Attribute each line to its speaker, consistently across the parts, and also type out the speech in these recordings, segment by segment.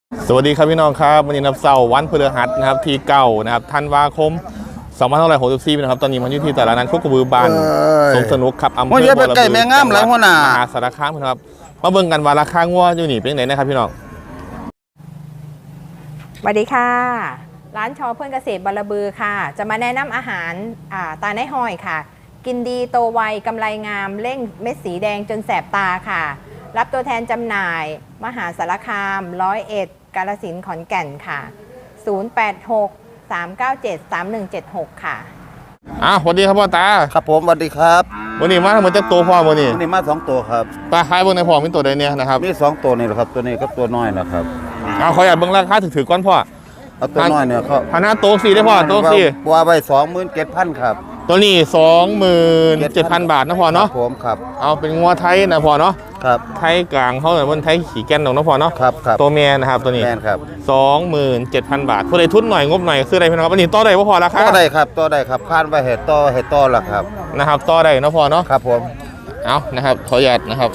Speaker 1: สวัสดีครับพี่น้องครับวันนี้นับเสาร์วันพฤหัสนะครับที่เก้านะครับธันวาคม2564นะครับตอนนี้มันอยู่ที่ตลาดนัดโคกระบือบานสนุกครับอำเภอบัวระเบือจังหวัดมหาสารคามครับมาเบิ่งกันว่าราคางัวอยู่นี่เป็นไหนนะครับพี่น้อง
Speaker 2: สวัสดีค่ะร้านชอเพื่อนเกษตรบัวระบือค่ะจะมาแนะนำอาหารตาในห้อยค่ะกินดีโตไวกำไรงามเร่งเม็ดสีแดงจนแสบตาค่ะรับตัวแทนจำหน่ายมหาสารคาม101กาฬสินธุ์ขอนแก่นค่ะ086 397 3176ค่ะ
Speaker 1: สวัสดีครับพ่อตา
Speaker 3: ครับผมสวัสดีครับ
Speaker 1: วันนี้มาทั้งหมดจักตัวพ่อวันนี้
Speaker 3: มา2ตัวครับ
Speaker 1: ปลาคายเบิ่งในพ่อมีตัวใดเนี่ยนะครับ
Speaker 3: มี2ตัวนี่แหละครับตัวนี้กับตัวน้อยนะครับ
Speaker 1: ขออยากเบิ่งราคาถือๆก่อนพ่อ
Speaker 3: เอาตัวน้อยเนี่ยเขา
Speaker 1: หน้าโต๊ะ4ได้พ่อโต๊ะ4
Speaker 3: บัวไป27,000ครับ
Speaker 1: ตัวนี้ 27,000 บาทนะพ่อเนาะ
Speaker 3: ผมครับ
Speaker 1: เอาเป็นงัวไทยนะพ่อเนาะ
Speaker 3: ครับ
Speaker 1: ไทยกลางเขาเหมือนวันไทยขี่แก่นของนะพ่อเนาะ
Speaker 3: ครับ
Speaker 1: ตัวเมียนะครับตัวนี้
Speaker 3: แม่นครับ
Speaker 1: 27,000 บาทผู้ใดทุนหน่อยงบหน่อยซื้อได้พี่น้องครับอันนี้ต่อได้พ่อราคา
Speaker 3: ต่อได้ครับต่อได้ครับคาดไว้เห็ดต่อละครับ
Speaker 1: นะครับต่อได้นะพ่อเนาะ
Speaker 3: ครับผม
Speaker 1: เอานะครับขออนุญาตนะครับ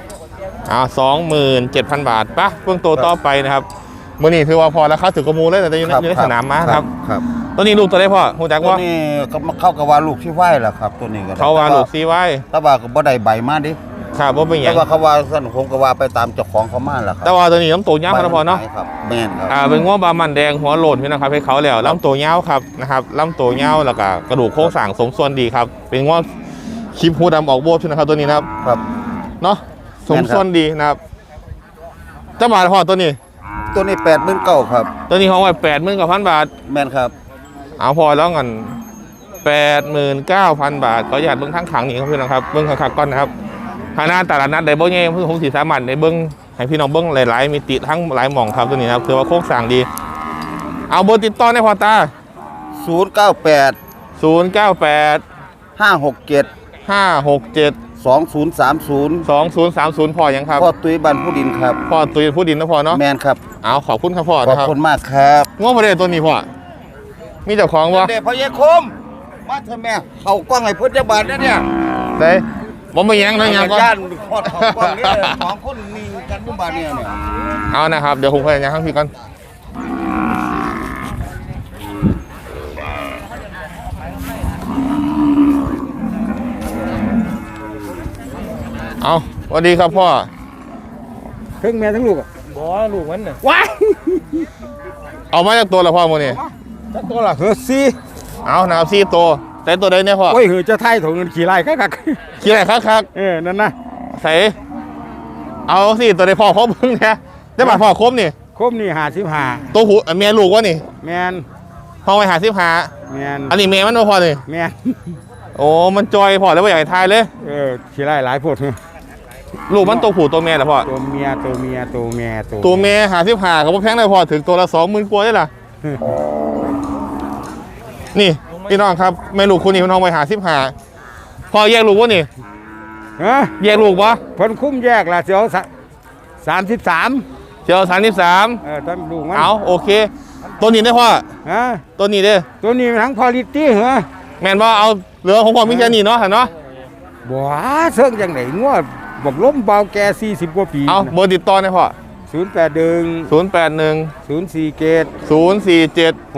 Speaker 1: 27,000 บาทปะเพิ่งตัวต่อไปนะครับมื่อนี้ถือว่าพอราคาถือกระมูเลยแต่อยู่ในสนามม้าครับตัวนี้ลูกตัวได้พ่อหูจักว่า
Speaker 3: ตัวนี้เข้ากับว่าลูกที่ไหวแหละครับตัวนี้ก็
Speaker 1: เขาว่าลูกซีไว้
Speaker 3: แต่ว่าก็บ่ได้ใบมาดิ
Speaker 1: ครับว่าเป็นอย่าง
Speaker 3: แต่ว่าเขาว่าสั้นคงก็ว่าไปตามเจ้าของเขามาแหละครับ
Speaker 1: แต่ว่าตัวนี้ลำตัวยาวนะพ่อเนาะ
Speaker 3: ครับแม่นครับ
Speaker 1: เป็นง้อบามันแดงหัวโหล่นพี่นะครับให้เขาแล้วลำตัวยาวครับนะครับลำตัวยาวแล้วก็กระดูกโครงสร้างสมส่วนดีครับเป็นง้อคลิปหูดำออกโบดนะครับตัวนี้นะครับเนาะสมส่วนดีนะครับเจ้าบาทพ่อตัวนี้
Speaker 3: 89,000ครับ
Speaker 1: ตัวนี้ของไว้89,000 บาท
Speaker 3: แม่นครับ
Speaker 1: เอาพอแล้วกัน89,000 บาทก็อยากเบิ้งทั้งขังนี่ครับพี่น้องครับเบิ้งขังก่อนนะครับทางหน้าตลาดนัดได้เบิ้งเงี้ยผมสีสามัญได้เบิ้งให้พี่น้องเบิ้งหลายๆมีติทั้งหลายหม่องครับตัวนี้ครับคือว่าโค้งสั่งดีเอาเบอร์ติดต่อได้พอตา
Speaker 3: 098 567
Speaker 1: 2030พอยังครับ
Speaker 3: พ่อตุ้ยบ้านผู้ดินครับ
Speaker 1: พ่อตุ้ยผู้ดินนะพ่อเนาะ
Speaker 3: แมนครับ
Speaker 1: เอาขอบคุณครับพ่อ
Speaker 3: ขอบคุณมากครับ
Speaker 1: ง้อประเดี๋ยวตัวนี้พ่อมีเจ้าของวะ
Speaker 3: เด็กพ่อเยคมมาเถอะแม่เขากว้างไอ้พุทธบาทเนี่ย
Speaker 1: เด้ผมไม่ยังนะยังก็
Speaker 3: ย่านพอดเขากว้างนี่ของคนมีกันบุบาเนี่ย
Speaker 1: เอานะครับเดี๋ยวผมพยายามให้พี่กันเอาสวัสดีครับพ่อ
Speaker 3: ทั้งแม่ทั้งลูก
Speaker 1: บ่ลูกมันน่ะว้ายเอามาจากตัวละพ่อโมนี่
Speaker 3: จากตัวละซี
Speaker 1: เอานะครับ4 ตัวแต่ตัวใดเนี่ยพ่อ
Speaker 3: โอ้ยจะไทยถุงเงินขี่ไร่คัก
Speaker 1: ขี่ไร่คัก
Speaker 3: นั่นนะ
Speaker 1: ใส่เอาสิตัวใดพ่อครบเพิ่งเนี่ยได้บาทพ่อครบนี่
Speaker 3: 55
Speaker 1: ตัวหูเมียลูกวะนี่
Speaker 3: แมน
Speaker 1: พ่อไป55
Speaker 3: แมน
Speaker 1: อันนี้เมียมันพ่อนี่
Speaker 3: แมน
Speaker 1: โอ้มันจอยพ่อแล้วว่าอยากทายเลย
Speaker 3: ขี่ไร่หลายพวก
Speaker 1: ลูกมันตัวผู้ตัวเมียเหรอพ่อ
Speaker 3: ตัวเมีย
Speaker 1: ตัวเมีย55กับพวกแพงเลยพ่อถึงตัวละ20,000 กว่าได้ล่ะนี่พี่น้องครับแม่ลูกคุณนี่พี่น้องไป55พ่อแยกลูกวะนี่แยกลูกวะ
Speaker 3: พ้นคุ้มแยกละเสียว33
Speaker 1: เสียว
Speaker 3: ตอนลูกมัน
Speaker 1: เอาโอเคตัวนี้ได้พ่อตัวนี้เด้
Speaker 3: ตัวนี้ทั้งพอลิตี้เหรอ
Speaker 1: แม่นว่าเอาเหลือของพ่อมีแค่นี้เนาะเนาะ
Speaker 3: บ่เชิงจังไหนงัวบอกล้มเบาแก40 กว่าปี
Speaker 1: เอาเบอร์ติดต่อได้พ่อ
Speaker 3: 081
Speaker 1: 047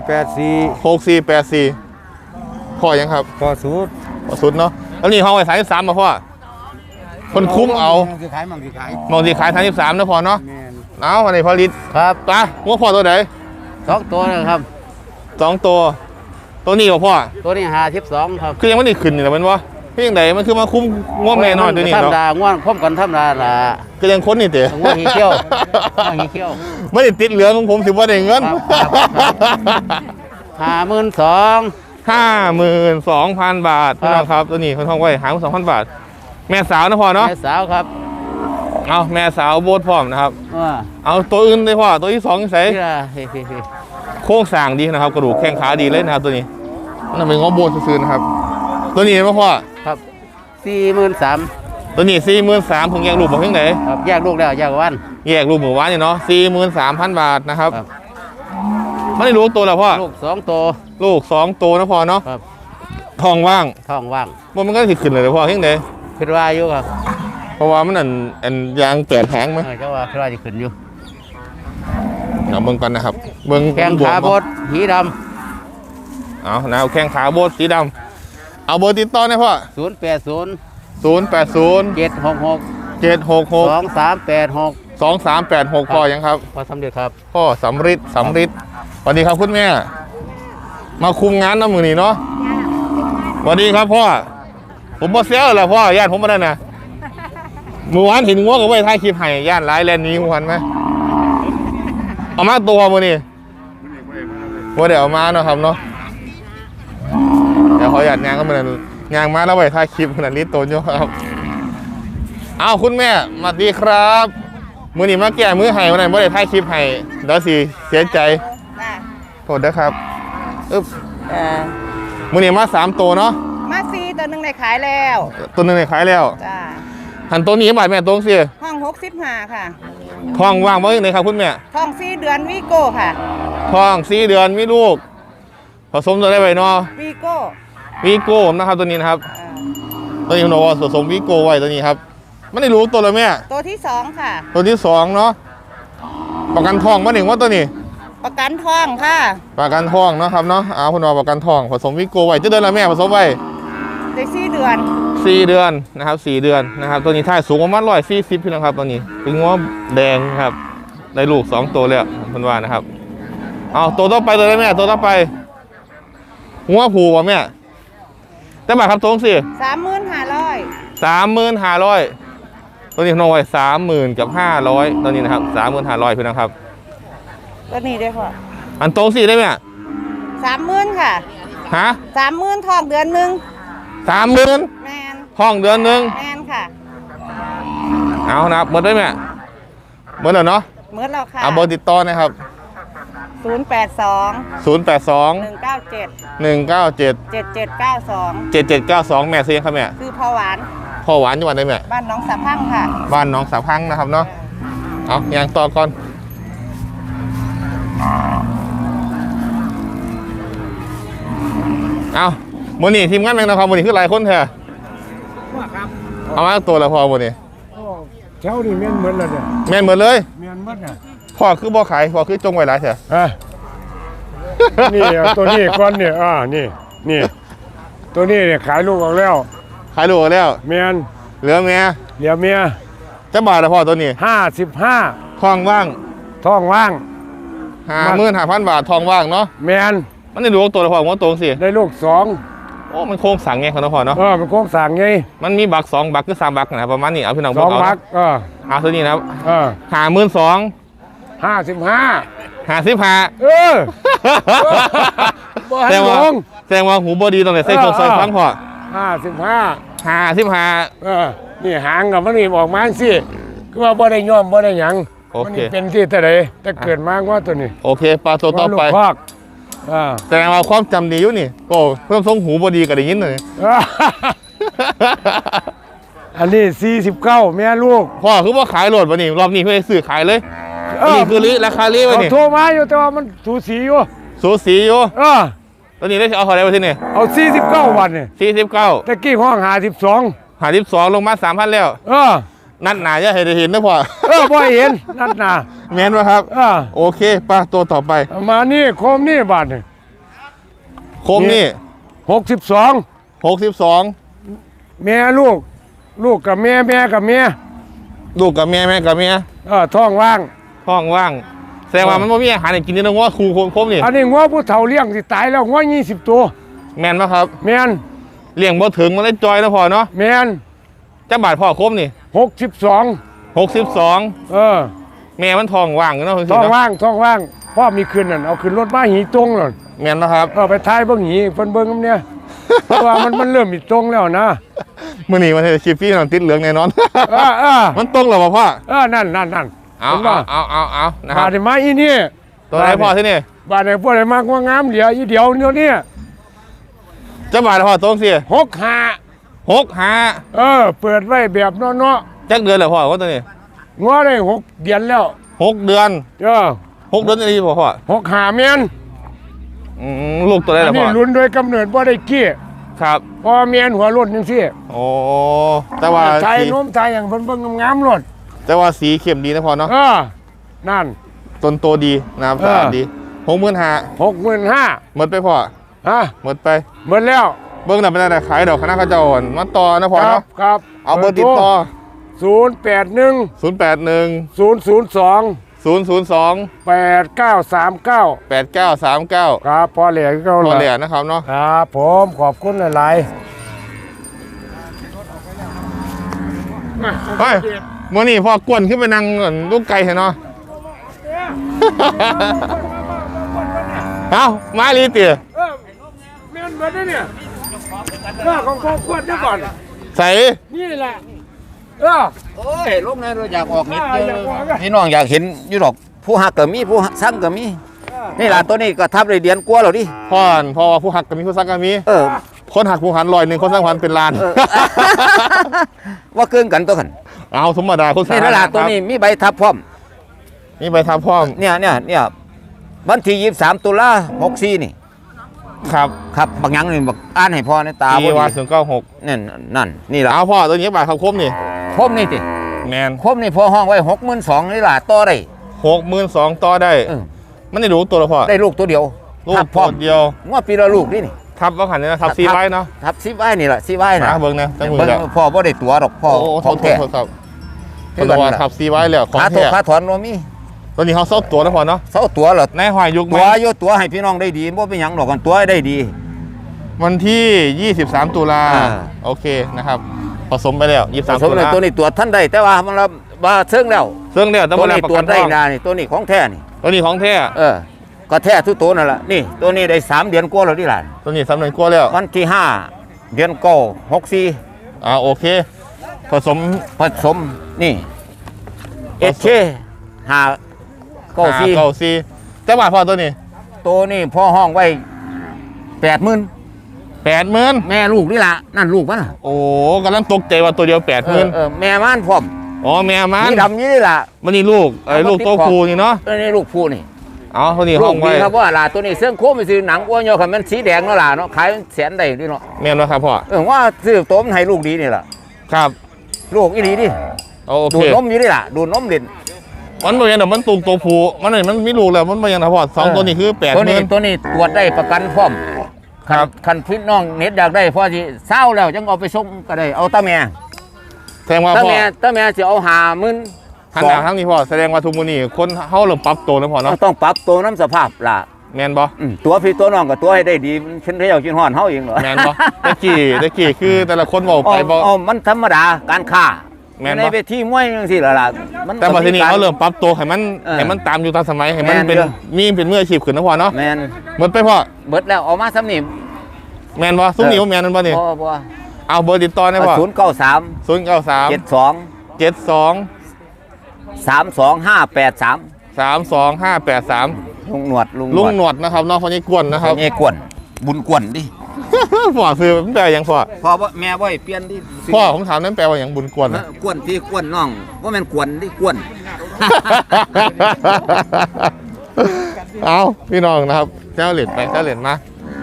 Speaker 1: 6484พ่อยังครับ
Speaker 3: พ่อ
Speaker 1: สุดเนาะแล้วนี่ห้องไว้33มาพ่อคนคุ้มเอา
Speaker 3: มองสิขาย
Speaker 1: 33นะพ่อเนาะเอาวันนี้พอลิต
Speaker 3: ครับ
Speaker 1: ตางัวพ่อตัวไหน
Speaker 3: 2 ตัวนะครับ
Speaker 1: 2 ตัวนี้พ่อ
Speaker 3: ตัวนี้52ครับ
Speaker 1: คือยังไม่ได้ขึ้นนี่แหละมันวะพี่ยังไงมันคือมาคุ้มง่วงแน่นอนตัวนี้
Speaker 3: เนาะธรรมดาง่วงพร้อมกันธรรมดาล่ะ
Speaker 1: ก็ยังค้นนี่เต๋
Speaker 3: ง่วงเขี้ยว
Speaker 1: ไม่ได้ติดเหลืองของผมถือว่าได้เงิน52,000 บาทพี่น้องครับตัวนี้คนท้องไว้52,000 บาทแม่สาวนะพ่อเนาะ
Speaker 3: แม่สาวครับ
Speaker 1: เอาแม่สาวโบดพร้อมนะครับเอาตัวอื่นเลยพ่อตัวที่2ใส่โค้งสร้างดีนะครับกระดูกแข้งขาดีเลยนะครับตัวนี้นั่นเป็นง้อโบดซื่อๆนะครับตัวนี้มั้งพ่อ
Speaker 3: ครับ43,000
Speaker 1: ตัวนี้43,000เพิ่งแยกลูกบอกเพิ่งไหน
Speaker 3: ครับแยกลูกแล้วแยกวัน
Speaker 1: หมู่บ้านเนี่ยเนาะ43,000 บาทนะครับไม่ได้ลูกตัวแล้วพ่อ
Speaker 3: ลูก2 ตัว
Speaker 1: นะพ่อเนาะทองว่างมันก็ขึ้นเลยพ่อเพิ่งไหน
Speaker 3: ขึ้นว่าอยู่ครับ
Speaker 1: เพราะว่ามันอันยางแปดแผงไหม
Speaker 3: ก็ว่าขึ้นว่าจะขึ้นอยู่
Speaker 1: เบิ่งกันนะครับเบิ่ง
Speaker 4: แข้งขาบดหีด
Speaker 1: เอานะแข้งขาโบดสีดำเอาเบอร์ติดต่อหน่อยพ่อ
Speaker 4: ำ080
Speaker 1: 080
Speaker 4: 766
Speaker 1: 766
Speaker 4: 2386
Speaker 1: 2386พ่อยังครับ
Speaker 4: พอสำเร็จครับ
Speaker 1: พ่อสำริดสวัสดีครับคุณแม่มาคุมงานน้ำมือนี่เนาะสวัสดีครับพ่อผมบ่เซลแล้วพ่อญาติผมมาได้นะเมื่อวานเห็นงัวกับไว้ท้ายคลิปให้ญาติหลายแลนด์นี้หันไหมเอามาตัวมือนี่ว่าเดี๋ยวเอามาเนาะครับเนาะเดี๋ยวขอหยาดยางก็เหมือนยางมาแล้วไว้ท้ายคลิปขนาดนี้โตนอยู่ครับเอาคุณแม่สวัสดีครับมือนี่มาแก่มือให้วันไหนว่าได้ท้ายคลิปให้เดี๋ยวสิเสียใจโทษนะครับอึ๊บมือนี่มา3ตัวเนาะ
Speaker 2: มาซีตัวหนึ่งได้ขายแล้ว
Speaker 1: ตัวหนึงในขายแล้ว
Speaker 2: จ้า
Speaker 1: หันตัวนี้บาทแม่ตัวสิ
Speaker 2: ห้อง65ค่ะ
Speaker 1: ท้องว่างบ่ยังไงครับคุณแม่
Speaker 2: ห้อง4 เดือนวีโก้ค่ะ
Speaker 1: ท้อง4 เดือนมีลูกผสมตัวได้ไว้เนาะ
Speaker 2: วีโก้
Speaker 1: วีโก้นะครับตัวนี้นะครับตัวนี้คุณบอกว่าผสมวีโก้ไว้ตัวนี้ครับไม่ได้รู้ตัวเลยแม่
Speaker 2: ตัวที่2ค่ะ
Speaker 1: ตัวที่2เนาะประกันทองมาหนึ่งว่าตัวนี้
Speaker 2: ประกันทองค่ะ
Speaker 1: ประกันทองเนาะครับเนาะคุณบอกประกันทองผสมวีโก้ไว้จะเดือนละแม่ผสมไว้
Speaker 2: ได้4 เดือน
Speaker 1: 4 เดือนนะครับ4 เดือนนะครับตัวนี้ท่ายสูงประมาณ140พี่นะครับตัวนี้เป็นง้อแดงครับได้ลูก2ตัวแล้วคุณว่านะครับเอาตัวต่อไปตัวได้แม่ตัวต่อไปงัวผูกว่ะแม่แต่บาทครับตรงสิ
Speaker 2: 35,500
Speaker 1: 35,500ตัวนี้น้องไว้30,000กับ500ตัวนี้นะครับ35,500พี่นะครับ
Speaker 2: ตัวนี้ได้พ่อ
Speaker 1: อันตรงสิได้ไหม
Speaker 2: 30,000ค่ะ
Speaker 1: ฮะ
Speaker 2: 30,000ทองเดือนหนึง
Speaker 1: 30,000
Speaker 2: แมน
Speaker 1: ห้องเดือนหนึ่ง
Speaker 2: แมนค่ะ
Speaker 1: เอานะครับหมดได้ไหมหมดแล้วเนาะ
Speaker 2: เมื่อเราค่ะ
Speaker 1: เอาเบอร์ติดต่อนะครับ
Speaker 2: 082
Speaker 1: 082
Speaker 2: 197
Speaker 1: 197
Speaker 2: 7792
Speaker 1: 7792แม่ซื้อยังครับแม่
Speaker 2: คือพ่อหวาน
Speaker 1: พ่อหวานจังหวัดไหนแม่
Speaker 2: บ้านหน้องสะพังค่ะ
Speaker 1: บ้านหน้องสาพังนะครับเนาะเอาอย่างต่อก่อนเอาโมนี่ทีมงานแมงนะครับโมนี่คือหลายคนแท้เอามาตัวละพอโมนี่
Speaker 3: เช้านี่แม่นเหมือนแล้วเนี่ย
Speaker 1: แม่นหมดเลย
Speaker 3: แม่นหมดเนี่ย
Speaker 1: พ่อคือบ่ขายพ่อคือจงไว้หลายเถอะ
Speaker 3: นี่เอาตัวนี้ก่อนเนี่ยนี่ตัวนี้เนี่ยขายลูกออกแล้ว
Speaker 1: ขายลูกแล้ว
Speaker 3: แม่น
Speaker 1: เหลือเมีย
Speaker 3: เหลือเมีย
Speaker 1: จะบาทละพ่อตัวนี้
Speaker 3: 55
Speaker 1: ทองว่าง
Speaker 3: ท้องว่าง
Speaker 1: 55,000 บาททองว่างเนาะ
Speaker 3: แม่น
Speaker 1: มันได้ดูตัวละพ่อว่าตรงสิ
Speaker 3: ได้ลูก2
Speaker 1: โอ้มันโค้งสั่งไงเขาเนาะพ่อเนาะ
Speaker 3: มันโค้งสั่งไง
Speaker 1: มันมีบัก2บักคือ3บักนะครับประมาณนี้เอาพี่น้อง
Speaker 3: 2บัก
Speaker 1: เอาตัวนี้นะครับ 52,000
Speaker 3: 55
Speaker 1: 55
Speaker 3: เออ บ่ให้
Speaker 1: แสดงว่า
Speaker 3: ลง
Speaker 1: แสดงว่าหูบอดีตรงไหนใส่เครื่องใส่ฟังพ่อ
Speaker 3: 55
Speaker 1: 55
Speaker 3: นี่หางกับมันนี่ออกมาสิคือว่าบ่ได้ย่อมบ่ได้หยัง
Speaker 1: โอเค
Speaker 3: มันเป็นที่แต่ใดแต่เกิดมาว่าตัวนี้
Speaker 1: โอเคปลาตัวต่อไป
Speaker 3: ว่าลูกคอก
Speaker 1: แสดงว่าความจำดีอยู่นี่โอ้เพิ่มทรงหูบอดีก็ได้ยินเลย
Speaker 3: อันนี้49แม่ลูก
Speaker 1: พ่อคือว่าขายโหลดวันนี้รอบนี้เพื่อซื้อขายเลยนี่คือราคาลีไว้
Speaker 3: เขา
Speaker 1: นี่
Speaker 3: โทรมาอยู่แต่ว่ามันสูสีอยู่
Speaker 1: สูสีอยู่
Speaker 3: เออ
Speaker 1: ตัวนี้ได้เอาเท่าไหร่มาที่นี่
Speaker 3: เอา49วันนี่
Speaker 1: 49
Speaker 3: ตะกี้ห้อง52
Speaker 1: 52ลงมา 3,000 แล้ว
Speaker 3: เออ
Speaker 1: นัดหนาจะให้ได้เห็นนะพ่อ
Speaker 3: บ่เห็นนั่นน่ะ
Speaker 1: แม่นวะครับ โอเคป้าตัวต่อไป
Speaker 3: มานี่โคมนี่บาทนี่
Speaker 1: โคมนี่
Speaker 3: 62
Speaker 1: 62
Speaker 3: แม่ลูกกับแม่กับแม่
Speaker 1: ลูกกับแม่แม่กับแม่
Speaker 3: ท้องว่าง
Speaker 1: ท้องว่างแสดงว่ามันไม่มีอาหารให้กินนี่นะว่าครูโคมนี่
Speaker 3: อันนี้งัวผู้เฒ่าเลี้ยงสิตายแล้วงัว20ตัว
Speaker 1: แม่นปะครับ
Speaker 3: แม่น
Speaker 1: เลี้ยงบ่ถึงมันได้จอยนะพ่อเนาะ
Speaker 3: แม่น
Speaker 1: จะบาทพ่อโคมนี่
Speaker 3: 62
Speaker 1: 62แม่มันท้องว่างเนาะ
Speaker 3: ท้องว่างพ่อมีคืนนั่นเอาขึ้นรถมาหีตรงเลย
Speaker 1: แม่นนะครับ
Speaker 3: ไปท้ายเบิ่งหีเพิ่นเบิ่งกันเนี่ยเพราะว่ามันเริ่มมีตรงแล้วนะ
Speaker 1: มื้อนี้มันจะชิปปี้นอนติดเหลืองแน่นอน มันตรงเหรอพ่อ
Speaker 3: นั่น
Speaker 1: เอานะค
Speaker 3: บา
Speaker 1: รับ
Speaker 3: ดได้มาอีนี่
Speaker 1: ตัวไหนพ่อที่นี่
Speaker 3: บาดได้พวกได้มากว่างามเหลืออีเดียวเนี่ย
Speaker 1: จะบาทพ่อตรงสิ
Speaker 3: 65
Speaker 1: 65
Speaker 3: เปิดไว้แบบเนาะ
Speaker 1: จักเดือนแล้วพ่อว่าตัวนี้
Speaker 3: งัวได้6 เดือนแล้ว
Speaker 1: 6 เดือน 6 เดือนนี่พ่อ
Speaker 3: 65แม่น
Speaker 1: ลูกตัวไหน
Speaker 3: อัน
Speaker 1: ล่ะ
Speaker 3: นี้
Speaker 1: พ่อ
Speaker 3: ลุ้นโดยกำเนิดบ่ได้กี้
Speaker 1: ครับ
Speaker 3: พอแม่นหัวรถจังซี่
Speaker 1: โอ้แต่ว่า
Speaker 3: ชาย
Speaker 1: สี
Speaker 3: โน้มชายอย่างเพิ่นเบิ่งงามๆรถ
Speaker 1: แต่ว่าสีเข้มดีนะพ่อเนาะ
Speaker 3: นั่น
Speaker 1: ต้นโตดีนะครับสะอาดดี65,000
Speaker 3: 65,000
Speaker 1: หมดไปพ่อ
Speaker 3: ฮะ
Speaker 1: หมดไป
Speaker 3: หมดแล้ว
Speaker 1: เบิ้งหน่ะเป็นอะไรขายดอกคณะข้าเจ้าอ่อนมาต่อนะพ่อ
Speaker 3: ครั
Speaker 1: เนาะ
Speaker 3: ครับ
Speaker 1: เอาเบอร์ติดต่อ
Speaker 3: 081
Speaker 1: 081
Speaker 3: 002
Speaker 1: 002
Speaker 3: 8939
Speaker 1: 8939
Speaker 3: ครับพอเหลียก็
Speaker 1: ตัวเหรียญนะครับเนาะ
Speaker 3: ครับผมขอบคุณหลาย
Speaker 1: เฮ้ยมื่อนี้พ่อกวนขึ้นไปนั่งลูกไก่เห็นเนาะ เอามาลีเตี๋ย
Speaker 3: เมียนเบิดเนี่ยข้าของพ่อควรเดี๋ยวก่อน
Speaker 1: ใส่
Speaker 3: นี่แหละ
Speaker 4: โอ้ยลงในเราอยากออกนิดเดียวพี่น้องอยากเห็นอยู่ดอกผู้หักก็มีผู้สั่งก็มีนี่ล่ะตัวนี้ก็ทับเลยเดียนกลัวเราดิ
Speaker 1: พ่อว่าผู้หักก็มีผู้ซักก็มี คนหักผู้หัน100คนสร้างพันเป็นล้าน
Speaker 4: ว่าเกินกันตัวกัน
Speaker 1: เอาธรรมดาคนสา
Speaker 4: นี่ล่ะตัวนี้มีใบทับพร้อม
Speaker 1: นี่ใบทับพร้อม
Speaker 4: เนี่ยวันที่23ตุลา64นี่
Speaker 1: ครับ
Speaker 4: ครับบางอย่างนี่บักอ่านให้พ่อในตา
Speaker 1: ปี
Speaker 4: บ่
Speaker 1: ว่า
Speaker 4: ดี
Speaker 1: 096
Speaker 4: นั่นนี่ล่ะ
Speaker 1: เอาพ่อตัวนี้บาทครับคมนี่
Speaker 4: คมนี่ติ
Speaker 1: แมน
Speaker 4: คมนี่พอห้องไว้62,000นี่ล่ะต่อได้
Speaker 1: 62,000ต่อได้
Speaker 4: เออ
Speaker 1: มันได้รู้ตัวละพ่อ
Speaker 4: ได้ลูกตัวเดียว
Speaker 1: ลูก
Speaker 4: ทับพร้อม
Speaker 1: ตัวเดียว
Speaker 4: งวดปีละลูกนี่
Speaker 1: ทับว่าขันนี่นะทับซีไว้เนาะ
Speaker 4: ทับ10ไว้นี่ล่ะ10ไว้น่ะ
Speaker 1: เบิ้งนะตั้งมือ
Speaker 4: เบิ่ง
Speaker 1: แล้ว
Speaker 4: พ่อบ่ได้ตัวดอกพ่อ
Speaker 1: โอ้
Speaker 4: ของแท้
Speaker 1: โทษครับคนละว่าทับซีไว้แล้วของ
Speaker 4: ขาถก
Speaker 1: แท้
Speaker 4: ขาถอนบ่มี
Speaker 1: ตัวนี้เขาเซาตัวนะพ่อเนาะ
Speaker 4: เซาตัวเหรอ
Speaker 1: ในหอยยุคไหม
Speaker 4: ตัวอยู่ตัวให้พี่น้องได้ดีบ่เป็นหยังดอกกันตัวให้ได้ดี
Speaker 1: วันที่ 23 ตุลา
Speaker 4: อ่า
Speaker 1: โอเคนะครับผสมไปแล้ว23
Speaker 4: สม
Speaker 1: ตุ
Speaker 4: เลย
Speaker 1: ลา
Speaker 4: ตัวนี้ตรวจท่านได้แต่ว่ามันว่าเชิงแล้ว
Speaker 1: ซึ่งเนี่ยต้อง
Speaker 4: ตัว
Speaker 1: มาแล
Speaker 4: นี้
Speaker 1: กประ
Speaker 4: ตรว
Speaker 1: กั
Speaker 4: จ
Speaker 1: น
Speaker 4: ได้
Speaker 1: ทอง
Speaker 4: นานี่ตัวนี้ของแท้นี่
Speaker 1: ตัวนี้ของแท้
Speaker 4: ก็แท้ทุกตัวนั่นแหละนี่ตัวนี้ได้3 เดือนกว่าแล้วที่หลาน
Speaker 1: ตัวนี้สำเร็จกลัวแล้ว
Speaker 4: วันที่5 เดือน9 64
Speaker 1: โอเค ผสม
Speaker 4: ผสมนี่เอชเค5
Speaker 1: เก้า
Speaker 4: 94
Speaker 1: ซีแต่บาทพอตัวนี้
Speaker 4: ตัวนี้พ่อห้องไว้ 80,000
Speaker 1: 80,000
Speaker 4: แม่ลูกนี่ล่ะนั่นลูกมันล่ะ
Speaker 1: โอ้กำลังตกใจว่าตัวเดียว80,000
Speaker 4: แม่มันพร้อม
Speaker 1: อ๋อแม่มัน
Speaker 4: นี่ดำนี่ล่ะ
Speaker 1: มันนี่ลูกลูกโตฟูนี่เนาะ
Speaker 4: นี่ลูกผู้นี่
Speaker 1: เอาตัวนี้
Speaker 4: ลู
Speaker 1: ห้อก งไว้
Speaker 4: ดีครับว่าล่ะตัวนี้เสื้อโค้งไปซื้อหนังอ้วนโยคันมันสีแดงเนาะล่ะเนาะขายแสนได้ด้วยเนาะ
Speaker 1: แม่นแล้วครับพ่อ
Speaker 4: ว่าซื้อตัวมันให้ลูกดีนี่ล่ะ
Speaker 1: ครับ
Speaker 4: ลูกอีหลีดิ
Speaker 1: โอ
Speaker 4: ดู
Speaker 1: เค
Speaker 4: ดนมอยู่นี่ล่ะดูดนมเด่น
Speaker 1: มันบ่ยังเดี๋ยวมันตุกตัวฟูมันนี่มันมีลูกแล้วมันบ่ยังนะพ่อ2ตัวนี้คือ
Speaker 4: ตัวนี้
Speaker 1: 80,000
Speaker 4: ตัวนี้ตรวจได้ประกันพร้อม
Speaker 1: ครับ
Speaker 4: คันพี่น้องเน็ตอยากได้พ่อสิเศร้าแล้วจังเอาไปส่งก็ได้เอาตาแม่
Speaker 1: แสดงว่า
Speaker 4: ตา
Speaker 1: พ่อ
Speaker 4: แม่สิเอา50,000
Speaker 1: ทางหน้าทางนี้พ่อแสดงว่าทุกมื้อนี้คนเฮาเริ่มปรับตัวแล้วพ่อเนาะ
Speaker 4: ต้องปรับตัวน้ำสภาพล่ะ
Speaker 1: แม่นบ่
Speaker 4: ตัวพี่ตัวน้องก็ตัวให้ได้ดีเช่นที่เรากินฮ้อนเฮาเองเหรอ
Speaker 1: แม่นบ่ตะกี้คือแต่ละคนเว้าไปบ่
Speaker 4: มันธรรมดาการค้า
Speaker 1: แม่นบ่
Speaker 4: ในเวทีมวยจังซี่ล่ะมัน
Speaker 1: แต่บัดทีนี้เขาเริ่มปรับตัวให้มัน
Speaker 4: เออ
Speaker 1: ให้มันตามอยู่ตามสมัยให้มัน
Speaker 4: แม่น
Speaker 1: เป็น
Speaker 4: เด้อ
Speaker 1: มีเป็นมืออาชีพขึ้นนะพ่อเนาะ
Speaker 4: แม่น
Speaker 1: หมดไปพ่อ
Speaker 4: เบิดแล้วเอามาซ้ำนี่
Speaker 1: แม่นบ่ซุ้มนี่บ่แม่นนั่นบ่นี่
Speaker 4: บ่
Speaker 1: เอาเบอร์ติดต่อได้พ่อ
Speaker 4: 093
Speaker 1: 093
Speaker 4: 72
Speaker 1: 72
Speaker 4: 32583
Speaker 1: 32583
Speaker 4: ลุงหนวด
Speaker 1: ลุงหนวดนะครับน้องคนนี้กวนนะครับ
Speaker 4: นี่กวนบุญกวนดิ
Speaker 1: พ่อคือมันแปลว่าหยังพ่อ
Speaker 4: พ่อบ่แม่บ่ให้เปลี่ยนดิ
Speaker 1: พ่อผมถามนั้นแปลว่าหยังบุญกวนนะ
Speaker 4: กวนพี่กวนน้องบ่แม่นกวนดิกวน
Speaker 1: เอาพี่น้องนะครับเจ้าเหรียญไปเจ้าเหรียญมา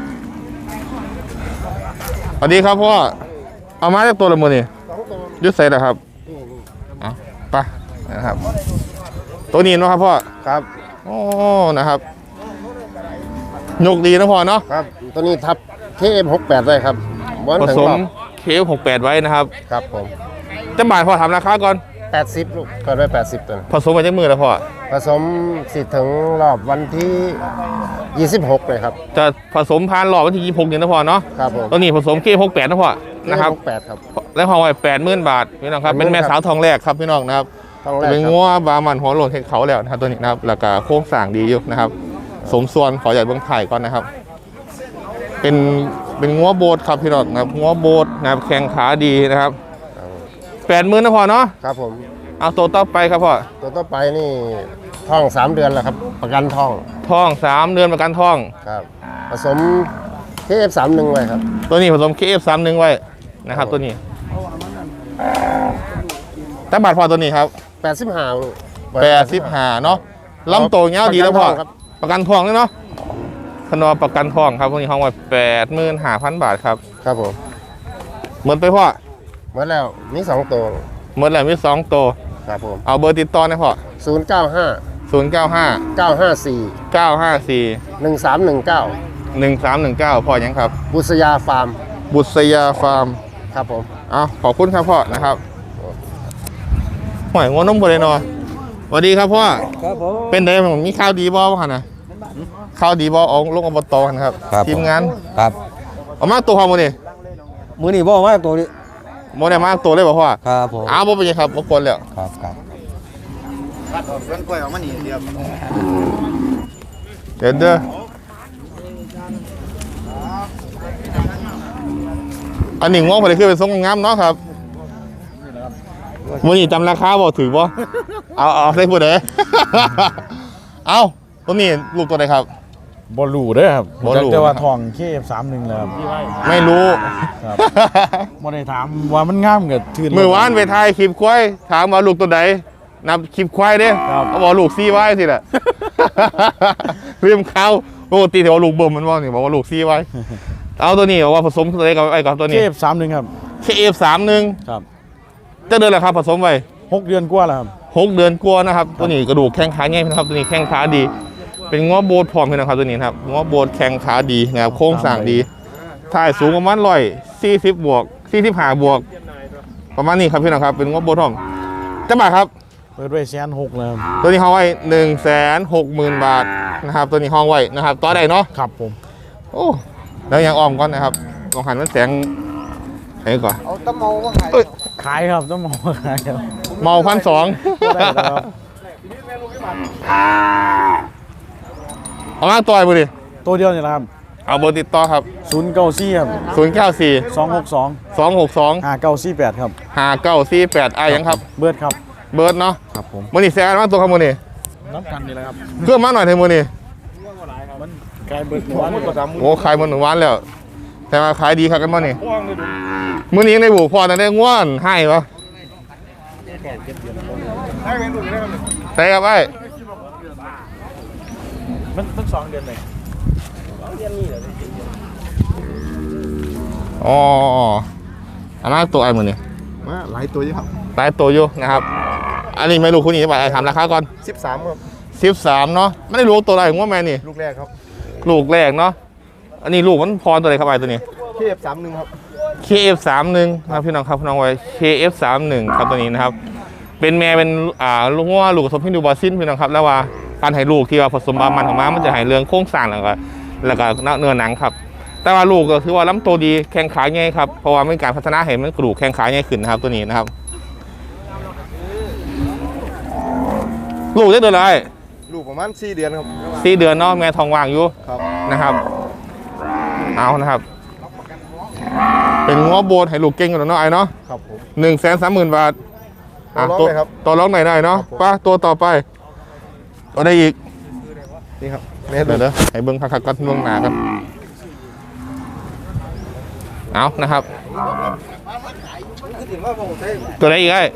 Speaker 1: สวัสดีครับพ่อเอามาจากตัวละมือนี่ยุดใส่นะครับเอาไปนะครับตัวนี้เนาะครับพ่อ
Speaker 3: ครับ
Speaker 1: โอ้นะครับยกดีนะพ่อเนาะ
Speaker 3: ครับตัวนี้ทับ KM68 ได้ครับบอล
Speaker 1: ผ
Speaker 3: ถึง
Speaker 1: ส
Speaker 3: ร
Speaker 1: ม
Speaker 3: อบ
Speaker 1: เคฟ68ไว้นะครับ
Speaker 3: ครับผม
Speaker 1: จะบ่ายพ่อทำราคาก่อน
Speaker 3: 80ลูกเกิดไว้80ตัวนะ
Speaker 1: ผสมมาจากมือแล้วพ่อ
Speaker 3: ผสมสิถึงรอบวันที่ 26เลยครับ
Speaker 1: จะผสมพานหล่อวันที่26นี่นะพ่อเนาะ
Speaker 3: ครับผม
Speaker 1: ตัวนี้ผสมเคฟ68นะพ่อนะครับ
Speaker 3: 68ครับ
Speaker 1: แล้วพอไว้80,000 บาทพี่น้องครับเป็นแม่สาวทองแรกครับพี่น้องนะครับ
Speaker 3: ต้องแรก
Speaker 1: เป็น
Speaker 3: ครับ
Speaker 1: งัวบามันหัวโหลนเห็ดเขาแล้วนะครับตัวนี้นะครับแล้วก็โค้งสร้างดีอยู่นะครับ สมส่วนขอใหญ่เบื้องไทยก่อนนะครับ เป็นงัวโบดครับพี่น้องนะครับงัวโบดนะครับแข้งขาดีนะครับ80,000นะพ่อเนาะ
Speaker 3: ครับผม
Speaker 1: เอาตัวต่อไปครับพ่อ
Speaker 3: ตัวต่อไปนี่ท้อง 3 เดือนแล้วครับ ประกันท้อง
Speaker 1: ท้อง3 เดือนประกันท้อง
Speaker 3: ครับ ผสม KF31 ไว้ครับ
Speaker 1: ตัวนี้ผสม KF31 ไว้นะครับตัวนี้แต่บาทพอตัวนี้ครับ
Speaker 3: 85ลูก
Speaker 1: 85เนาะลำโตวเงี้ยาวดีแล้วพ่อ
Speaker 3: ครับ
Speaker 1: ประกันทองด้วยเนาะขนมประกันทองครับพวกนี้ห้องไว้85,000 บาทครับ
Speaker 3: ครับผม
Speaker 1: เหมือนไปพ่อ
Speaker 3: หมดแล้วมี2ตัว
Speaker 1: เหมือนแล้วมี2ตัว
Speaker 3: ครับผม
Speaker 1: เอาเบอร์ติดต่อนะพ่อ
Speaker 3: 095
Speaker 1: 095
Speaker 5: 954
Speaker 1: 954
Speaker 5: 1319
Speaker 1: 1319พ่อยังครับ
Speaker 5: บุษยาฟาร์ม
Speaker 1: บุษยาฟาร์ม
Speaker 5: ครับผม
Speaker 1: เอาขอบคุณครับพ่อนะครับหอยงัวนมบ่ได้เนาะสวัสดีครับพ่อ
Speaker 3: ครับผม
Speaker 1: เป็นไงผมมีข่าวดีบ่บ่หั่นน่ะข่าวดีบ่เอาลงอบตกันครับ
Speaker 3: ครับ
Speaker 1: ทีมงาน
Speaker 3: ครับ
Speaker 1: เอามาตัวพ่อมื้อนี้
Speaker 3: มื้อนี้บ่มาตัวนี้
Speaker 1: บ่ได้มาตัวเลยบ่พ่อ
Speaker 3: ครับผม
Speaker 1: อ้าวบ่เป็นหยังครับบ่กวนแล้ว
Speaker 3: ครับครับ
Speaker 1: เดี๋ยวเด้ออันนี้ง้อพอได้ขึ้นไปส่งงามเนาะครับมื้อนี้จำราคาบ่ถือบ่เอาได้ผู้ใด เอาตัวนี้ลูกตัวใดครับ
Speaker 6: บอลูเด้อครับ
Speaker 1: บ่รู้
Speaker 6: แต่ว่าทองเคฟ31แล้วครับ
Speaker 1: ไม่รู้
Speaker 6: ครับ บ่ได้ถามว่ามันงามกับทื่น
Speaker 1: มือวานไปถ่ายคลิปควายถามว่าลูกตัวใดนับคลิปควายเด้
Speaker 6: ครับ
Speaker 1: เขาบอกลูกซี่ไว้สิแหละ ลืมเขาปกติที่ว่าลูกเบิ่มมันว่านี่บอกว่าลูกซี่ไว้ เอาตัวนี้บอกว่าผสมตัวใดกับไอ้กับตัว
Speaker 6: เค
Speaker 1: นี้
Speaker 6: ฟ31ครับ
Speaker 1: KF31
Speaker 6: ครับ
Speaker 1: จะเดือนละครับผสมไว้
Speaker 6: 6 เดือนกว่าแล้วครับ
Speaker 1: 6 เดือนกว่านะครับตัวนี้กระดูกแข้งขาง่ายนะครับตัวนี้แข้งขาดี เป็นง้อโบดพร้อมเลยนะครับตัวนี้นะครับง้อโบดแข้งขาดีนะครับโค้งสร้างดีถ่ายสูงประมาณ140บวก45บวก ประมาณนี้ครับพี่น้องครับเป็นง้อโบดพร้อมจะบาทครับ
Speaker 6: เปิดไว้160,000แล้วครับ
Speaker 1: ตัวนี้ห้องไว้160,000 บาทนะครับตัวนี้ห้องไว้นะครับต่อได้เนาะ
Speaker 6: ครับผม
Speaker 1: โอ้แล้วยังอ้อมก่อนนะครับลองหันมันแสงไหนก่อน
Speaker 5: เอาตะเมาว่าไง
Speaker 6: ขายครับต้องมองขายครับ
Speaker 1: เมา1,200
Speaker 6: บ่ได้แล้วครับ
Speaker 1: เอามาต่อยบุดิ
Speaker 6: ตัวเดียวนี่แหละครับ
Speaker 1: เอาเบอร์ติดต่อครับ
Speaker 6: 094ครับ
Speaker 1: 094
Speaker 6: 262
Speaker 1: 262
Speaker 6: 5948ครับ
Speaker 1: 5948ยังครับ
Speaker 6: เบิร์ดครับ
Speaker 1: เบิร์ดเนาะ
Speaker 6: ครับผม
Speaker 1: มือนี่แซงมาตัวครับมือนี่
Speaker 6: น้ำกันนี่แหละครับ
Speaker 1: เพื่อมาหน่อยเถอะมือนี่
Speaker 6: มันกลายเบิร์ดวันก็ตาม
Speaker 1: โอ้ขายมันหนึ่งวันแล้ว แต่มาขายดีครับกันมือนี่มือนี้ยังได้บุกพอนะได้ง่วนให้ปะใช่ครับไอ้
Speaker 6: มัน2 เดือนเลย
Speaker 1: อ๋ออันนั้นตัวไอ้มือนี่
Speaker 5: มาหลายตัวอยู่ครับ
Speaker 1: หลายตัวอยู่นะครับ อันนี้ไม่รู้คุณนี่จะไปถามราคาก่อน
Speaker 5: 13ครับ
Speaker 1: 13เนาะไม่ได้รู้ตัวอะไรง่วงแม่นี่
Speaker 5: ลูกแรกครับ
Speaker 1: ลูกแรกเนาะอันนี้ลูกมันพรตัวไหนครับไอ้ตัวนี้
Speaker 5: KF31 ครับ
Speaker 1: KF31 ครับพี่น้องครับพี่น้องไว้ KF31 ครับตัวนี้นะครับ เป็นแม่เป็นลูกงัวลูกผสมพินดูบาซินพี่น้องครับแล้วว่าการให้ลูกที่ว่าผสมบามันของม้ามันจะให้เรื่องโค้งสร้างแล้วก็เนื้อหนังครับ แต่ว่าลูกก็คือว่าลำตัวดีแข้งขาง่ายครับเพราะว่ามีการพัฒนาให้มันกระดูกแข้งขาง่ายขึ้นนะครับตัวนี้นะครับ ลูกได้เดือนอะไร
Speaker 5: ลูกประมาณ4 เดือนครับ
Speaker 1: 4 เดือนเนาะแม่ทองว่างอยู่
Speaker 5: ครับ
Speaker 1: นะครับเอานะครับ เป็นงัวโบนให้ลูกเก่งกันเนาะไอ้เนาะ
Speaker 5: ครับผม
Speaker 1: 130,000 บาท
Speaker 5: ต่อรองเลยครับ
Speaker 1: ต่อร้องไหนได้เนาะ
Speaker 5: ครับผม
Speaker 1: ป้าตัวต่อไปเอาได้อีก
Speaker 5: นี่ครับแม่ลู
Speaker 1: เดี๋ย
Speaker 5: ก
Speaker 1: วให้เบิ้งคักๆกันล่วงหนากันเอานะครับ ตัวไหนอีกไอ้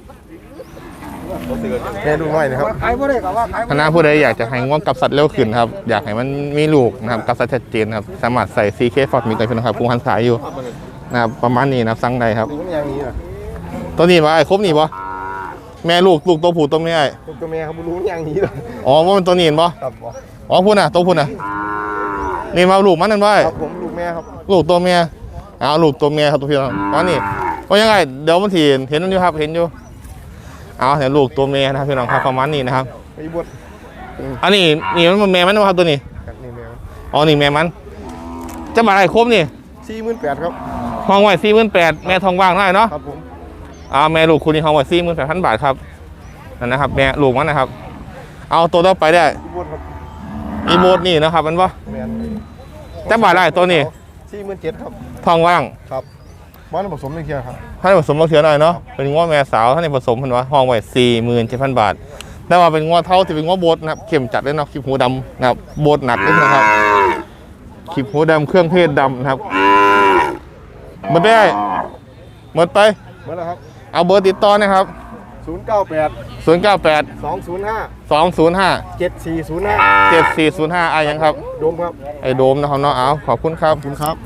Speaker 5: แม่ลูกน้อยนะครับ
Speaker 1: คณะผู้ใดอยากจะให้ง่วงกับสัตว์เร็วขึ้นครับ อยากให้มันมีลูกนะครับกับสัตว์ชัดเจนครับ สามารถใส่ CK Ford มีกันเป็นครับกุ้งหันสายอยู่นะครับประมาณนี้นะครับสั่งได้ครับ
Speaker 5: ลูกอย่างนี้นะ
Speaker 1: ตัวนี้มาไอ้ครบนี่ปะแม่ลูกตัวผู้ตัวแม่ไอ้
Speaker 5: ลูกตัวแม่ครับลูกอย่างนี้เลย
Speaker 1: อ๋อว่ามันตัวนี้เห็นปะ
Speaker 5: ครับผม
Speaker 1: อ๋อพูดน่ะตัวพูดน่ะนี่มาลูกมันนั่นไว้
Speaker 5: ครับผมลูกแม่ครับ
Speaker 1: ลูกตัวเมียเอาลูกตัวเมียครับตัวพี่น้องอ๋อนี่ว่ายังไงเดี๋ยวมันถีเห็นมันอยู่ครับเห็นอยู่เอาเดี๋ยวลูกตัวเมียนะครับพี่น้องครับประมาณนี้นะครับ
Speaker 5: ไปบวช
Speaker 1: อันนี้นี่มันแม่มันนะครับตัวนี้
Speaker 5: กันนี่แม่
Speaker 1: อ๋อนี่แม่มันจะมาอะไรครบนี่
Speaker 5: 48,000ครับ
Speaker 1: ห้องไว้48,000แม่ทองว่างได้เนาะ
Speaker 5: ครับผม
Speaker 1: แม่ลูกคุณนี่ห้องไว้48,000 บาทครับนั่นนะครับแม่ลูกมันนะครับ เอาตัวต่อไปได้
Speaker 5: ไปบวชครับ
Speaker 1: อีโบดนี่นะครับมันว่า
Speaker 5: แม่
Speaker 1: จะบาทได้ตัวนี้
Speaker 5: 47,000ครับ
Speaker 1: ทองว่าง
Speaker 5: ครับบ้านผสมในเคียครับ
Speaker 1: ถ้าผสมมาเถื่อหน่อยเนาะเป็นง้อแม่สาวถ้าในผสมเพิ่นว่าห้องไว้47,000 บาทแต่ว่าเป็นง้อเท่าที่เป็นง้อโบดนะครับเข้มจัดเลยเนาะคลิปหูดำนะครับโบดหนักเลยนะครับคลิปหูดำเครื่องเทศดำนะครับหมดได้หมดไป
Speaker 5: เมื่อไหร่ครับ
Speaker 1: เอาเบอร์ติดต่อนะครับ
Speaker 5: 098
Speaker 1: 098
Speaker 5: 205
Speaker 1: 205
Speaker 5: 7405
Speaker 1: 7405อะไรยังครับ
Speaker 5: โดมครับ
Speaker 1: ไอ้โดมนะครับเนาะเอาขอบคุณครับ
Speaker 5: ขอบคุณครับ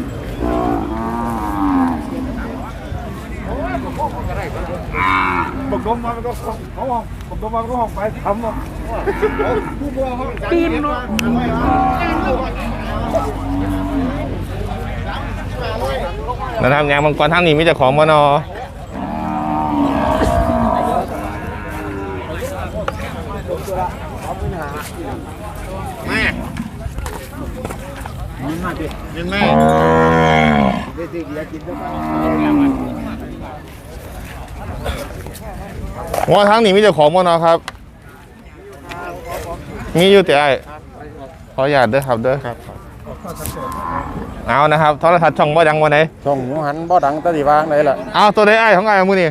Speaker 1: อ
Speaker 3: บอกดมมามันก็เขาบอกดมมามันก็ห้องไปทำตีนเนาะ
Speaker 1: นะครับงานมังกรทางนี้มีแต่ของมานอว่าทางนี้มีแต่ของมานอครับมีอยู่แต่ขออนุญาตเด้อครับเด้อครับเอานะครับโทรทัศน์ช่องบ่ดังวันไหน
Speaker 5: ช่องหนูหันบ่ดังตะดีวางไหนล่ะ
Speaker 1: เอาตัวได้ของไอ้มือนี่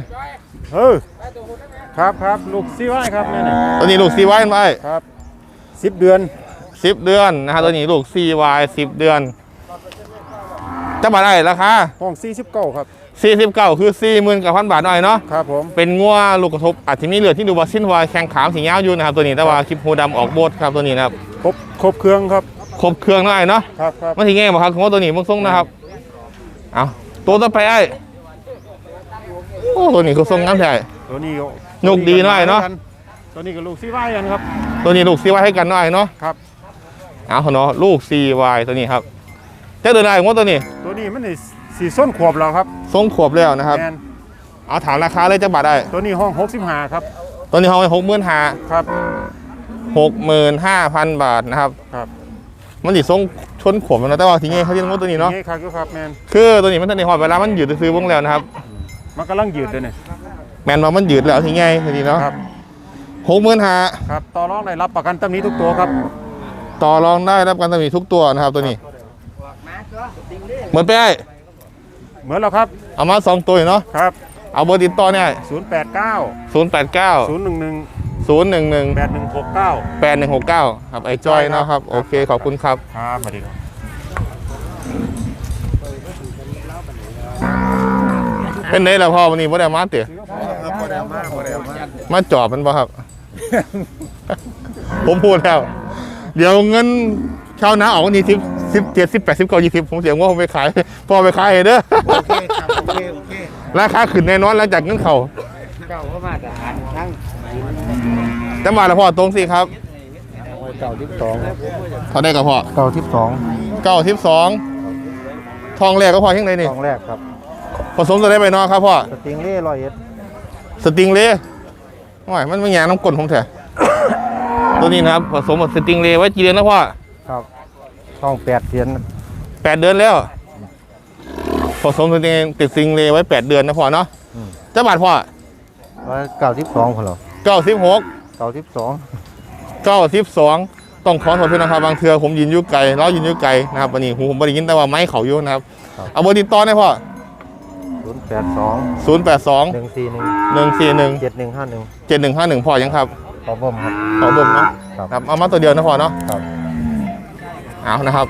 Speaker 5: ครับลูกซีไว้ครับนี่
Speaker 1: ตัวนี้ลูก CY ไว้
Speaker 5: ครับ10 เดือน
Speaker 1: 10 เดือนนะครับตัวนี้ลูก CY 10 เดือนจะบาทได้ราคา
Speaker 5: ห้อง49ครับ
Speaker 1: 49คือ 40,000 บาทหน่อยเนาะ
Speaker 5: ครับผม
Speaker 1: เป็นงัวลูกกระทบอาจจะมีเหลือที่ดูบาซินวายแข้งขามสีเงาอยู่นะครับตัวนี้แต่ว่าคลิปหูดำออกโบดครับตัวนี้นะครับ
Speaker 5: ครบเครื่องครับ
Speaker 1: ครบเครื่องหน่อยเนาะ
Speaker 5: ครับ
Speaker 1: มันทีง่ายบ่ครับของตัวนี้มึงส่งนะครับเอาตัวต่อไปไอ้โอ้ตัวนี้คือส่งงามใช่
Speaker 5: ตัวนี้
Speaker 1: ยกดีหน่อยเนาะ
Speaker 5: ตัวนี้ก็ลูกซีไว้กันครับ
Speaker 1: ตัวนี้ลูก CY ให้กันหน่อยเนาะ
Speaker 5: ครับ
Speaker 1: เอาเนาะลูก CY ตัวนี้ครับจะเดินได้ของตัวนี้
Speaker 5: ตัวนี้มันสีส้นขวบแล้วครับ
Speaker 1: ทรงขวบแล้วนะครับ
Speaker 5: แมน
Speaker 1: เอาถามราคาเลยจะบาทได้
Speaker 5: ตัวนี้ห้อง65ครับ
Speaker 1: ตัวนี้เขาไป65,000
Speaker 5: ครับ
Speaker 1: 65,000 บาทนะครับ
Speaker 5: ครับ
Speaker 1: มันดิทรงชนขวบแล้วแต่ว่าทีนี้เขาเรียกว่าตัวนี้เนาะ
Speaker 5: นี่ครับครับแมน
Speaker 1: คือตัวนี้มันทันในหอดเวลามันยืดซื้อวงแล้วนะครับ
Speaker 5: มันกำลังยืดเลยเนี่ย
Speaker 1: แมนว่ามันยืดแล้วทีไงทีนี้เนาะ
Speaker 5: ครับ
Speaker 1: 65,000
Speaker 5: ครับต่อรองได้รับประกันตำหนี้ทุกตัวครับ
Speaker 1: ต่อรองได้รับการตำหนิทุกตัวนะครับตัวนี้เหมือนไปได้
Speaker 5: เหมือนแล้วครับ
Speaker 1: เอามา2ตัวเนาะ
Speaker 5: ครับ
Speaker 1: เอาเบอร์ติดต่อเนี่ย
Speaker 5: 089
Speaker 1: 089
Speaker 5: 011
Speaker 1: 011
Speaker 5: 8169
Speaker 1: 8169ครับไอ้จอยเนาะครับโอเคขอบคุณครับ
Speaker 5: ครับสวัสดีครับ
Speaker 1: เป็นไงล่ะพ่อวันนี้บ่ได้มาเต๋อมาจอบมันบ่ครับ ผมพูดแล้ว เดี๋ยวเงินชาวนาออกวันนี้17 18 19 20ผมเสียงว่าผมไปขายพ่อไปขายเด้อ
Speaker 3: โอเคครับโอเค
Speaker 1: ราคาขึ้นแน่นอนหลังจากเงินเขา
Speaker 3: เก้าเข้ามาแต่หันทั้ง
Speaker 1: จะมาแล้วพ่อตรงสิครับ
Speaker 3: 92
Speaker 1: เขาได้กับพ่อ
Speaker 3: 92
Speaker 1: 92ทองแรกก็พอยังไงนี่
Speaker 3: ทองแรกครับ
Speaker 1: ผสมตัวได้ไปเนอครับพ่อ
Speaker 3: สติงเล่101
Speaker 1: สติงเล่โอ้ยมันไม่แง่น้ำกลนผมแท้ ตัวนี้นะครับผสมกับสติงเล่ไว้กี่เดือนแล้วพ่อ
Speaker 3: ครับทอง8เดือน
Speaker 1: 8 เดือนแล้วผสมสติงเล่ไว้8 เดือนนะพ่อเนาะจะบาทพ่อ
Speaker 3: 92คนเหรอ
Speaker 1: 96
Speaker 3: 92
Speaker 1: 92ต้องขอโทษด้วยนะครับบางเทือผมยืนอยู่ไกลเรายืนอยู่ไกลนะครับวันนี้หูผมไม่ได้ยินแต่ว่าไม้เขาอยู่นะครับเอาเบอร์ติดต่อได้พ่อ
Speaker 3: 082
Speaker 1: 082
Speaker 3: 141
Speaker 1: 141
Speaker 3: 7151
Speaker 1: 7151พ่อยังครับ
Speaker 3: ขอบ่มครับ
Speaker 1: ขอบ่มเนาะ
Speaker 3: ครับ
Speaker 1: ครับเอามาตัวเดียวนะพ่อเนาะ
Speaker 3: ครับ
Speaker 1: เอานะครับ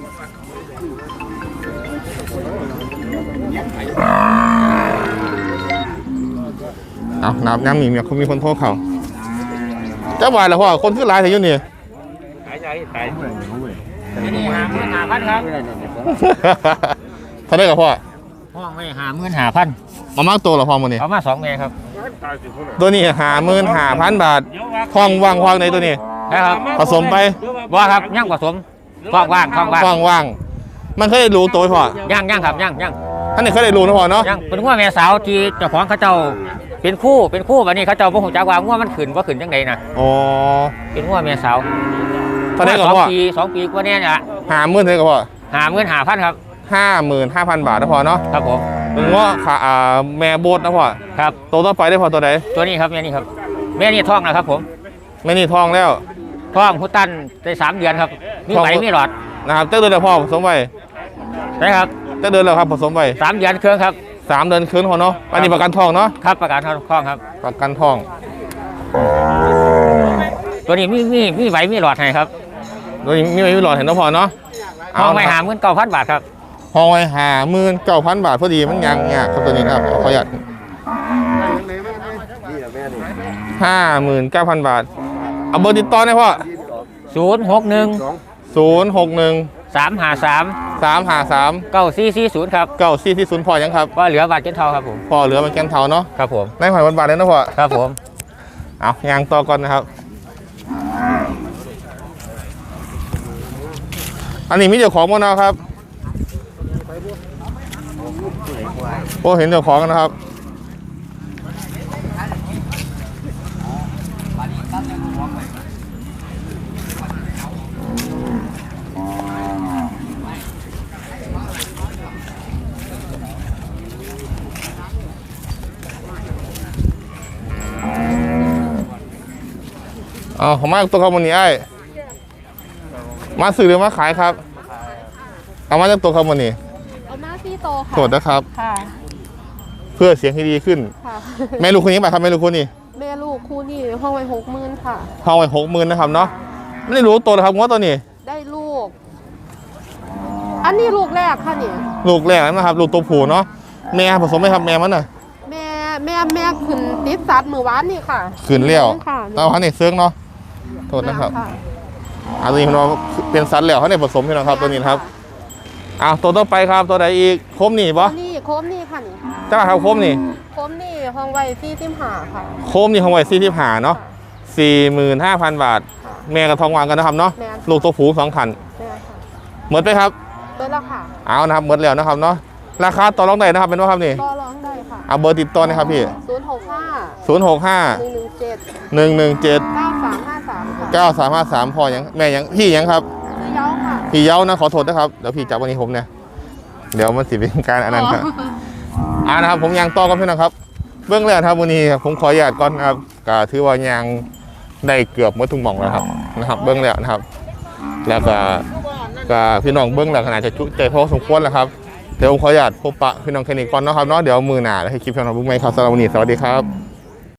Speaker 1: เอานับน้ำมีคนโทรเขาเจ้าบ่ายแล้วพ่อคนคือหลายแต่ยุ่นี่
Speaker 4: 55,000ครับ
Speaker 1: เท่าได้กับพ่อ
Speaker 4: ห้องไม่55,000
Speaker 1: มามากตัวเหรอพ่อมันนี่
Speaker 4: เอามา2แม่ครับ
Speaker 1: ตัวนี้55,000 บาททองว่างในตัวนี้
Speaker 4: นะครับ
Speaker 1: ผสมไป
Speaker 4: บ่ครับย่างผสมท้องว่างท้องว่าง
Speaker 1: ว่างมันเคยได้รู้ตัวไหมพ่อย่าง
Speaker 4: ครับย่าง
Speaker 1: ท่านนี่เคยได้รู้นะพ่อเนาะ
Speaker 4: ย่างเป็นงัวแม่สาวที่เจ้าของเขาเจ้าเป็นคู่บัดนี้เขาเจ้าบ่ฮู้จักว่างัวมันขึ้นบ่ขึ้นจังได๋นะ
Speaker 1: อ๋อ
Speaker 4: เป็นงัวแม่สาว
Speaker 1: เท่าได้กับพ่อ
Speaker 4: 2 ปีกว่าเนี่ยน่ะ
Speaker 1: 50,000เท่าได้กับพ่อ
Speaker 4: 55,000ครับ
Speaker 1: 55,000 บาทนะพ่อเนาะ
Speaker 4: ครับผม
Speaker 1: เป็นว่าขาแม่โบดนะพ่อ
Speaker 4: ครับ
Speaker 1: ตัวต่อไปได้พอตัวใด
Speaker 4: ตัวนี้ครับแม่นี่ครับแม่นี่ท้องนะครับผม
Speaker 1: แม่นี่ทองแล้ว
Speaker 4: ท้องพุตันได้3 เดือนครับมีไหมมีหลอด
Speaker 1: นะครับเจ้าเดือนแล้วพ่อผสมไป
Speaker 4: นะครับ
Speaker 1: เจ้าเดือนแล้วครับผสมไป
Speaker 4: 3 เดือนเครื่องครับ
Speaker 1: 3 เดือนคืนพอเนาะอันนี้ประกันทองเนาะ
Speaker 4: ครับประกันท้องครับ
Speaker 1: ประกันทอง
Speaker 4: ตัวนี้มีไหมมีหลอดให้ครับ
Speaker 1: ตัวนี้มีไม่หลอดเห็นนะพ่อเนาะ
Speaker 4: เอาไม่59,000 บาทครับ
Speaker 1: ห้องไว้59,000 บาทพอดีมันยังยากครับตัวนี้นะครับขออนุญาต59,000 บาทเอาเบอร์ติดต่อได้พ่อ
Speaker 4: 061
Speaker 1: 061
Speaker 4: 353
Speaker 1: 353
Speaker 7: 9440ครับ
Speaker 1: 9440พอยังครับ
Speaker 7: ว่าเหลือบาทเก็ตเทาครับผม
Speaker 1: พอเหลือมันแกนเทาเนาะ
Speaker 7: ครับผม
Speaker 1: ในหอยบาทเลยนะพ่อ
Speaker 7: ครับผม
Speaker 1: เอายางต่อก่อนนะครับ อันนี้มีเจ้าของมั้งนะครับโอ้เห็นเจ้าของกันนะครับอ๋อผมมาตัวคอมมูนี่ไอ้มาซื้อหรือมาขายครับเอามาจากตัวคอมมูนี่
Speaker 8: เอามาซี่โตค่ะ
Speaker 1: โทษนะครับ
Speaker 8: ค่ะ
Speaker 1: เพื่อเสียงที่ดีขึ้น
Speaker 8: ค่ะ
Speaker 1: แม่ลูกคนนี้ไปครับแม่ลูกคนนี้
Speaker 8: แม่ลูกคู่นี่ห้องไว้60,000ค่ะ
Speaker 1: ห้องไว้60,000นะครับเนาะไม่ได้รู้ตัวนะครับงวดตัวนี้
Speaker 8: ได้ลูก อันนี้ลูกแรกค่ะนี่
Speaker 1: ลูกแรกนะครับ ลูกตัวผู้เนาะแม่ผสมไหมครับแม่มันน่ะ
Speaker 8: แม่ขึ้นติดสัตว์มือวานนี่ค่ะ
Speaker 1: ขืนเลี้ยว
Speaker 8: ค่ะ
Speaker 1: เอาเขาเนี่ยเสื้องเนาะโทษนะครับ
Speaker 8: ค่ะ
Speaker 1: อันนี้เราเป็นสัตว์แล้วเขาเนี่ยผสมใช่ไหมครับตัวนี้นะครับอ้าวตัวต่อไปครับตัวใดอีกโคมนี่ปะ
Speaker 8: นี่โคมนี่ค่ะนี่
Speaker 1: จ้าครับโคมนี่
Speaker 8: โคมนี่ห้องไว้45ค่ะ
Speaker 1: โคมนี่ของไว้45เนาะ45,000 บาท แม่กับทองหวานกันนะครับเนาะ
Speaker 8: แม่
Speaker 1: ลูกตัวผู้2 ขัน
Speaker 8: แม่ค่ะ
Speaker 1: หมดไปครับ
Speaker 8: เบอร์ละค่ะ
Speaker 1: เอานะครับหมดแล้วนะครับเนาะราคาต่อรองได้นะครับเป็นว่าครับนี่
Speaker 8: ก็ร้องได้ค่ะ
Speaker 1: เอาเบอร์ติดต่อนะครับพี่
Speaker 8: 065
Speaker 1: 065
Speaker 8: 117
Speaker 1: 117
Speaker 8: 9353ค่ะ
Speaker 1: 9353พอยังแม่ยังพี่ยังครับ
Speaker 8: ซื้อเย้าค่ะ
Speaker 1: พี่เย้านะขอโทษนะครับเดี๋ยวพี่จับวันนี้ผมเนี่ยเดี๋ยวมันสิเป็นการอันนั้นครับนะครับผมยังต่อกันพี่นะครับเบื้องแรกครับวันนี้ผมขออนุญาตก่อนนะครับก็ถือว่ายังได้เกือบหมดทุกหม่องแล้วนะครับเบื้องแรกนะครับ แล้วก็พี่น้องเบื้องแรกขนาดจะจุใจพอสมควรแล้วครับเดี๋ยวผมขออนุญาตพบปะพี่น้องแค่นี้ก่อนนะครับเนาะเดี๋ยวมือหน้าแล้วให้คลิปพี่น้องบุ้งไหมครับสำหรับวันนี้สวัสดีครับ